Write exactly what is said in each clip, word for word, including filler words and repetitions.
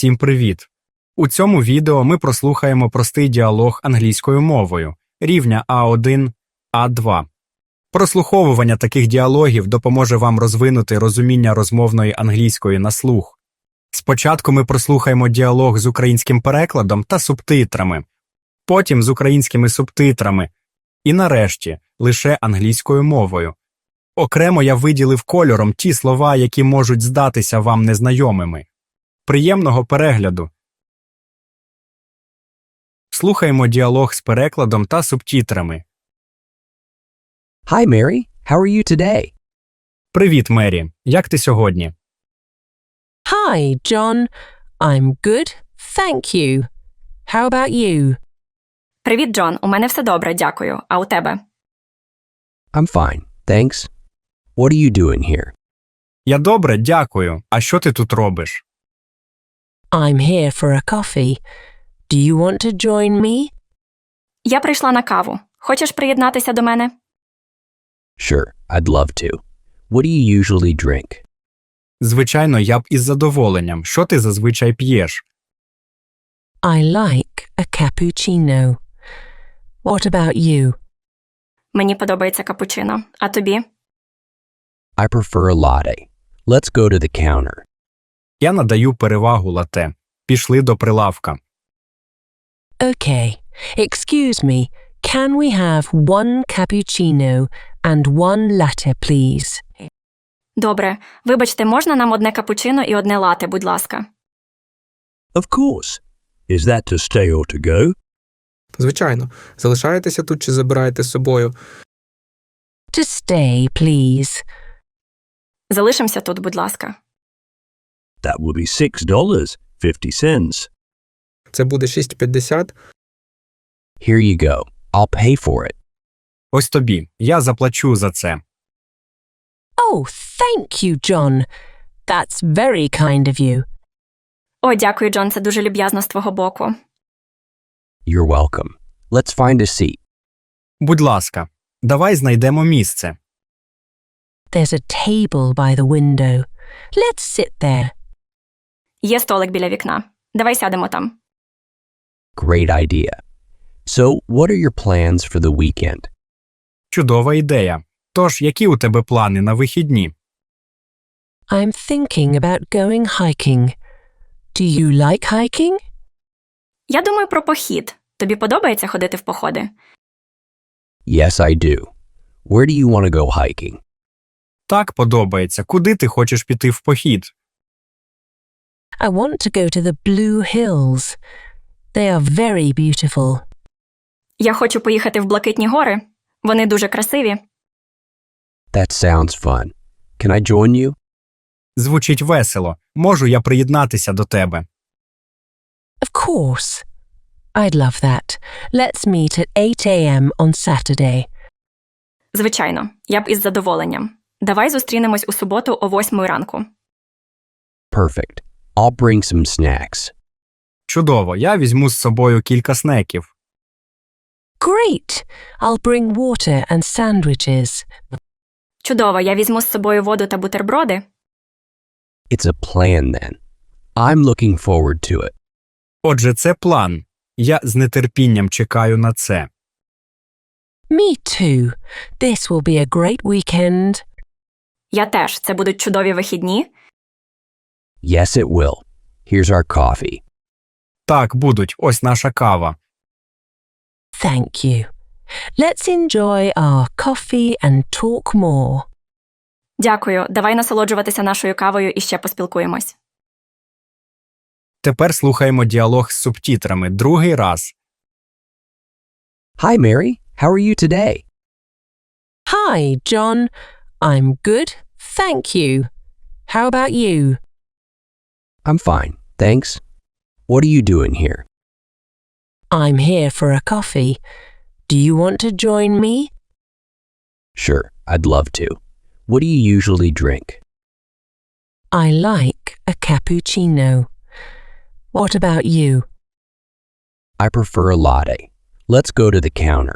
Всім привіт! У цьому відео ми прослухаємо простий діалог англійською мовою рівня А один А два. Прослуховування таких діалогів допоможе вам розвинути розуміння розмовної англійської на слух. Спочатку ми прослухаємо діалог з українським перекладом та субтитрами, потім з українськими субтитрами і нарешті лише англійською мовою. Окремо я виділив кольором ті слова, які можуть здатися вам незнайомими. Приємного перегляду! Слухаємо діалог з перекладом та субтитрами. Hi, Mary. How are you today? Привіт, Мері. Як ти сьогодні? Hi, John. I'm good, thank you. How about you? Привіт, Джон. У мене все добре, дякую. А у тебе? I'm fine, thanks. What are you doing here? Я добре, дякую. А що ти тут робиш? I'm here for a coffee. Do you want to join me? Я прийшла на каву. Хочеш приєднатися до мене? Sure, I'd love to. What do you usually drink? Звичайно, я б із задоволенням. Що ти зазвичай п'єш? I like a cappuccino. What about you? Мені подобається капучино. А тобі? I prefer a latte. Let's go to the counter. Я надаю перевагу лате. Пішли до прилавка. Okay. Excuse me. Can we have one cappuccino and one latte, please? Добре. Вибачте, можна нам одне капучино і одне лате, будь ласка? Of course. Is that to stay or to go? Звичайно. Залишаєтеся тут чи забираєте з собою? To stay, please. Залишимося тут, будь ласка. That will be six dollars fifty cents. Це буде шість п'ятдесят. Here you go. I'll pay for it. Ось тобі. Я заплачу за це. Oh, thank you, John. That's very kind of you. О, дякую, Джон, це дуже люб'язно з твого боку. You're welcome. Let's find a seat. Будь ласка, давай знайдемо місце. There's a table by the window. Let's sit there. Є столик біля вікна. Давай сядемо там. Great idea. So, what are your plans for the weekend? Чудова ідея. Тож, які у тебе плани на вихідні? I'm thinking about going hiking. Do you like hiking? Я думаю про похід. Тобі подобається ходити в походи? Yes, I do. Where do you want to go hiking? Так, подобається. Куди ти хочеш піти в похід? I want to go to the Blue Hills. They are very beautiful. Я хочу поїхати в Блакитні гори. Вони дуже красиві. That sounds fun. Can I join you? Звучить весело. Можу я приєднатися до тебе? Of course. I'd love that. Let's meet at eight a.m. on Saturday. Звичайно. Я б із задоволенням. Давай зустрінемось у суботу о восьмій ранку. Perfect. I'll bring some snacks. Чудово. Я візьму з собою кілька снеків. Great. I'll bring water and sandwiches. Чудово. Я візьму з собою воду та бутерброди. It's a plan then. I'm looking forward to it. Отже, це план. Я з нетерпінням чекаю на це. Me too. This will be a great weekend. Я теж. Це будуть чудові вихідні. Yes, it will. Here's our coffee. Так, будуть. Ось наша кава. Thank you. Let's enjoy our coffee and talk more. Дякую. Давай насолоджуватися нашою кавою і ще поспілкуємось. Тепер слухаємо діалог з субтитрами другий раз. Hi, Mary. How are you today? Hi, John. I'm good, thank you. How about you? I'm fine, thanks. What are you doing here? I'm here for a coffee. Do you want to join me? Sure, I'd love to. What do you usually drink? I like a cappuccino. What about you? I prefer a latte. Let's go to the counter.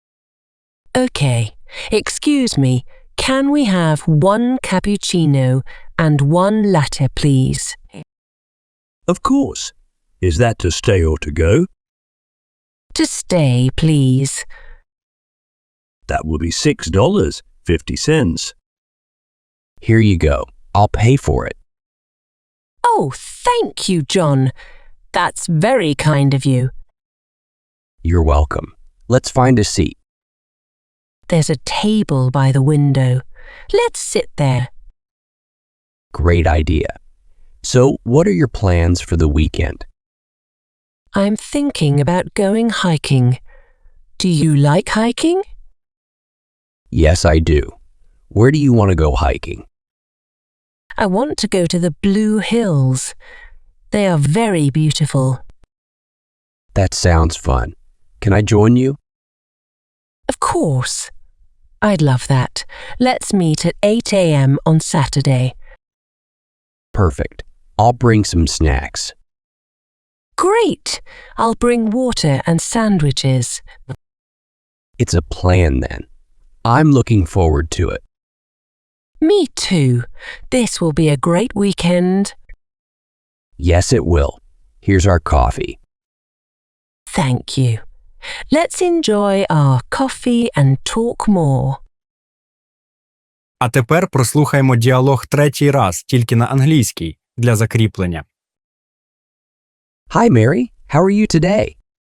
Okay. Excuse me. Can we have one cappuccino and one latte, please? Of course. Is that to stay or to go? To stay, please. That will be six dollars and fifty cents. Here you go. I'll pay for it. Oh, thank you, John. That's very kind of you. You're welcome. Let's find a seat. There's a table by the window. Let's sit there. Great idea. So, what are your plans for the weekend? I'm thinking about going hiking. Do you like hiking? Yes, I do. Where do you want to go hiking? I want to go to the Blue Hills. They are very beautiful. That sounds fun. Can I join you? Of course. I'd love that. Let's meet at eight a m on Saturday. Perfect. I'll bring some snacks. Great! I'll bring water and sandwiches. It's a plan then. I'm looking forward to it. Me too. This will be a great weekend. Yes, it will. Here's our coffee. Thank you. Let's enjoy our coffee and talk more. А тепер прослухаємо діалог третій раз, тільки на англійській, для закріплення. Hi, Mary. How are you today?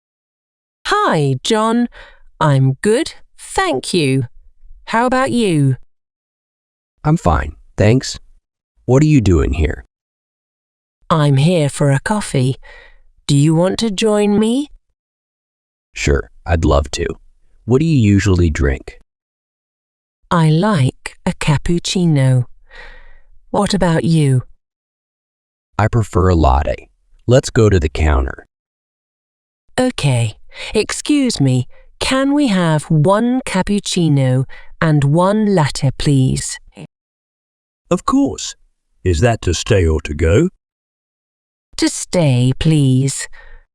Hi, John. I'm good, thank you. How about you? I'm fine, thanks. What are you doing here? I'm here for a coffee. Do you want to join me? Sure, I'd love to. What do you usually drink? I like a cappuccino. What about you? I prefer a latte. Let's go to the counter. Okay, excuse me. Can we have one cappuccino and one latte, please? Of course. Is that to stay or to go? To stay, please.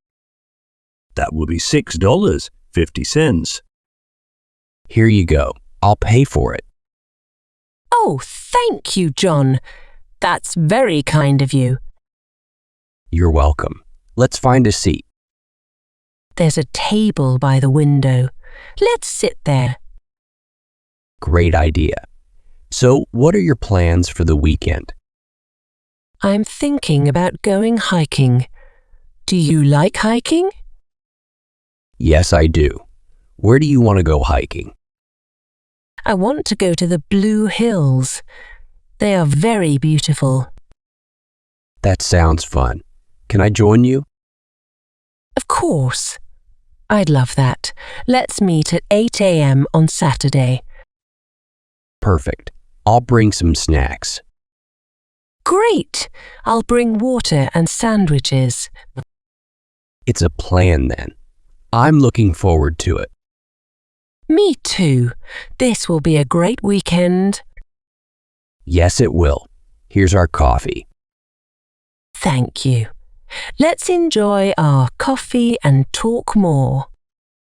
That will be six dollars and fifty cents. Here you go. I'll pay for it. Oh, thank you, John. That's very kind of you. You're welcome. Let's find a seat. There's a table by the window. Let's sit there. Great idea. So, what are your plans for the weekend? I'm thinking about going hiking. Do you like hiking? Yes, I do. Where do you want to go hiking? I want to go to the Blue Hills. They are very beautiful. That sounds fun. Can I join you? Of course. I'd love that. Let's meet at eight a m on Saturday. Perfect. I'll bring some snacks. Great! I'll bring water and sandwiches. It's a plan then. I'm looking forward to it. Me too. This will be a great weekend. Yes, it will. Here's our coffee. Thank you. Let's enjoy our coffee and talk more.